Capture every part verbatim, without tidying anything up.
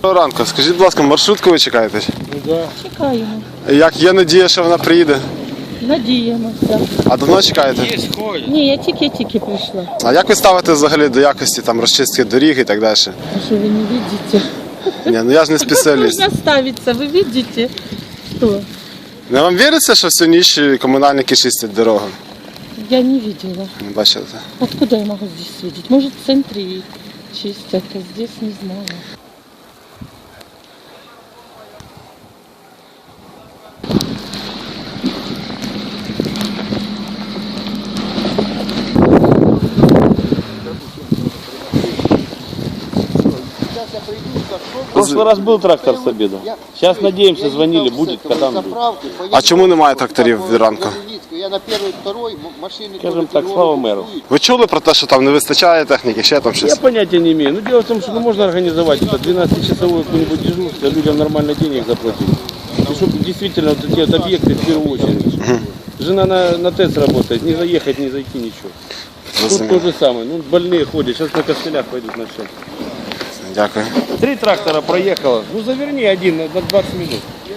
Доброго ранку. Скажіть, будь ласка, маршрутку ви чекаєте? Ну, да. Чекаємо. Як є надія, що вона приїде? Надіємося. А давно чекаєте? Є, ходять. Ні, я тільки-тільки прийшла. А як ви ставите взагалі до якості там розчистки доріг і так далі? А що ви не бачите? Ні, ну я ж не спеціаліст. Можна ставитися, ви бачите? Що? Не вам віриться, що всю ніч комунальники чистять дорогу? Я не видела. Не бачите? Откуда я могу здесь видеть? Может, в центре чистят, а здесь не знаю. В прошлый раз был трактор с обеда. Сейчас надеемся, звонили, будет, когда он будет. А чому немає тракторів від ранку? Я на первой, второй машине. Скажем так, слава мэру. Ви чули про те, що там не вистачає техніки, ще там Я щось? понятия не имею. Но дело в том, что ну, можно организовать это двенадцатичасовое какое-нибудь дежурство, людям нормально денег заплатить. И чтобы действительно вот эти вот объекты в первую очередь. Жена на, на ТЭЦ работает, не заехать, не зайти, ничего. Тут то же самое. Ну, больные ходят, сейчас на костылях пойдут на все. Дякую. Три трактора проехало. Ну, заверни один на двадцать минут.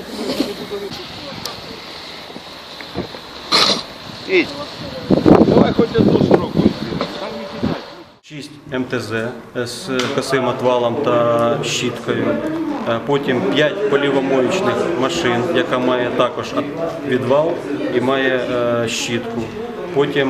Эй, давай хоть одну строку. шість ем те зет з косим отвалом та щіткою, потім п'ять полівомоючних машин, яка має також відвал і має щітку, потім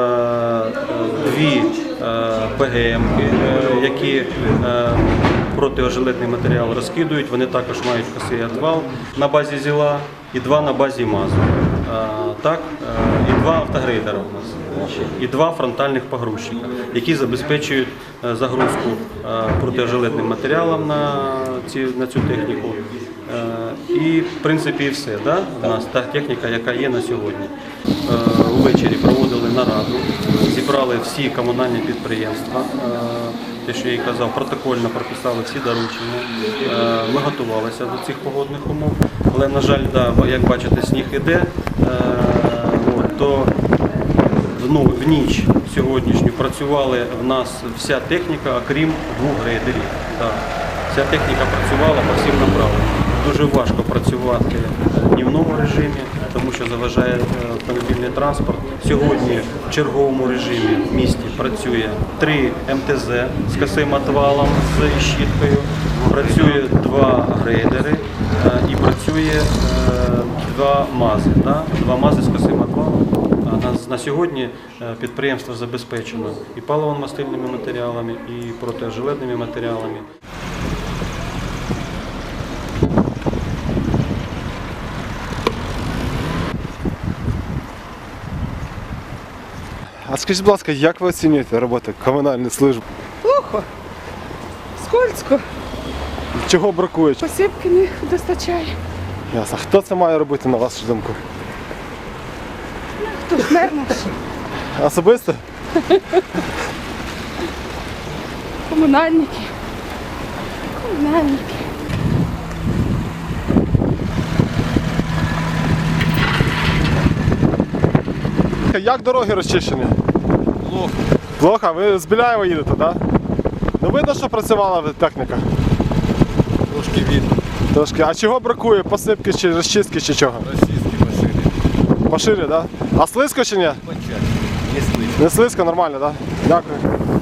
дві пе ге емки, які протиожеледний матеріал розкидують, вони також мають косий отвал на базі ЗІЛа і два на базі МАЗу. Так, і два автогрейдера у нас, і два фронтальних погрузчика, які забезпечують загрузку протиожеледним матеріалом на, ці, на цю техніку. І, в принципі, і все. Да? У нас та техніка, яка є на сьогодні. Увечері проводили нараду, зібрали всі комунальні підприємства, те, що я і казав, протокольно прописали всі доручення. Ми готувалися до цих погодних умов, але, на жаль, да, як бачите, сніг іде, то ну, в ніч сьогоднішню працювали в нас вся техніка, окрім двох грейдерів. Да. Вся техніка працювала по всім направленням. Дуже важко працювати в днівному режимі, тому що заважає автомобільний транспорт. Сьогодні в черговому режимі в місті працює три ем те зет з косим отвалом, з щіткою, працює два грейдери і працює два мази. Да? Два мази з косим отвалом. На, на сьогодні підприємство забезпечено і паливно-мастильними матеріалами, і протиожеледними матеріалами. А скажіть, будь ласка, як ви оцінюєте роботу комунальної служби? Плохо. Скользко. Чого бракує? Посипки не достачає. Ясно. Хто це має робити, на вашу думку? Хто ж мер наш? Особисто? Комунальники. Комунальники. Як дороги розчищені? Плохо. Плохо? Ви з Біляєва їдете, так? Да? Ну видно, що працювала техніка? Трошки видно. Трошки. А чого бракує? Посипки чи розчистки чи чого? Российские машины. Поширі, так? Да? А слизько чи ні? Не слышно. Не слизько, нормально, так? Да? Дякую.